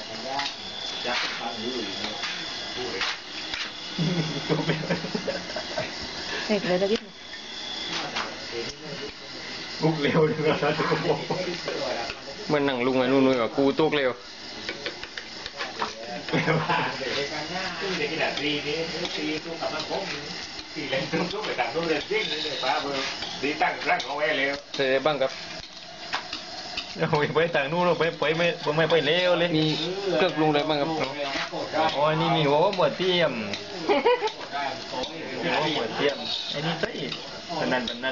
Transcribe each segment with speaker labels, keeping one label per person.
Speaker 1: จักรพันอยู่พูดเลย
Speaker 2: เด็กเลยตะกี้
Speaker 1: บุกเร็วเลยนะทุกคน
Speaker 3: เหมือนหนังลุงไอ้นู่นๆกับกูตุกเร็ว
Speaker 1: เด็กขนาดตีนี้ตีตู้กับมันคงตีเล่นตู้ไปต่างตู้เล่นจริงเลยป้าเบอร์ดีตั้งร่างของแอร์เร็ว
Speaker 3: เสร็จบ้างครับ
Speaker 4: โอ้ยไปต่างนู่นไปไม่ไปเร็วเลย
Speaker 3: มีเครื่องปรุงอะไรบ้างครับ
Speaker 4: โอ้ยนี่มีหัวหมดเทียมหัวหมดเทียมไอ้นี่ใช่ตอนนั้น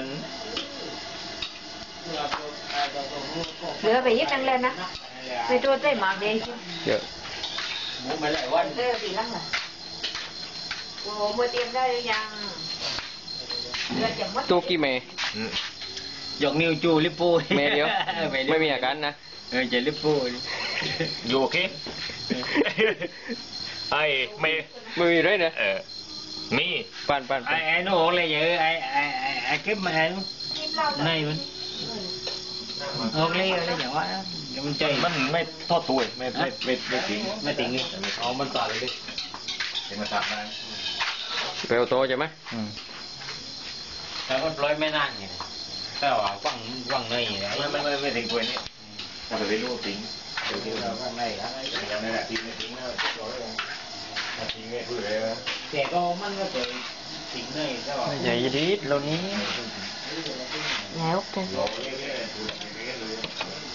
Speaker 2: เหลือไปยิบนั่งเล่นนะไปตัวใจหมากเดียว
Speaker 3: เยอะ
Speaker 1: หมูไม่หลายวัน
Speaker 2: เลือปีลังเหรอโอ้โหมือเตรียมได้หรือยังเลือจะมัด
Speaker 3: ตุกกี่เมย์
Speaker 4: หยกนิ้วจูลิปปู
Speaker 3: เมย์เดียวไม่มีอาการนะ
Speaker 4: จะลิปปูอยู่โอเคไอ้ไม่
Speaker 3: ไม่มีเลยนะ
Speaker 4: มี
Speaker 3: ปั่น
Speaker 4: ไอ้โน่เลยเยอะไอ้คลิปมาไอ้นู่นในมันโอเคอะไรอย่างว่ามันใจมันไม่ทอดตัวไม่ถึงอ๋อมันต่อเลยดิเห็นมาตัดมา
Speaker 3: เร็วโตใช่ไหม
Speaker 4: แต่ก็ปล่อยไม่นานไงแต่ว่าฟังเลยไม่ถึงตัวนี้ถ้าไปรู้ทิ้งเดี๋ยวเราข้างในยังไม่ได้ทิ้งแล้วทิ้งไม่พูดเลยแต่ก็มันก็เคยทิ้งเลยใช่ป่ะไม่ใช่ยีดเรานี้
Speaker 2: แล้วกัน
Speaker 4: โอ้ย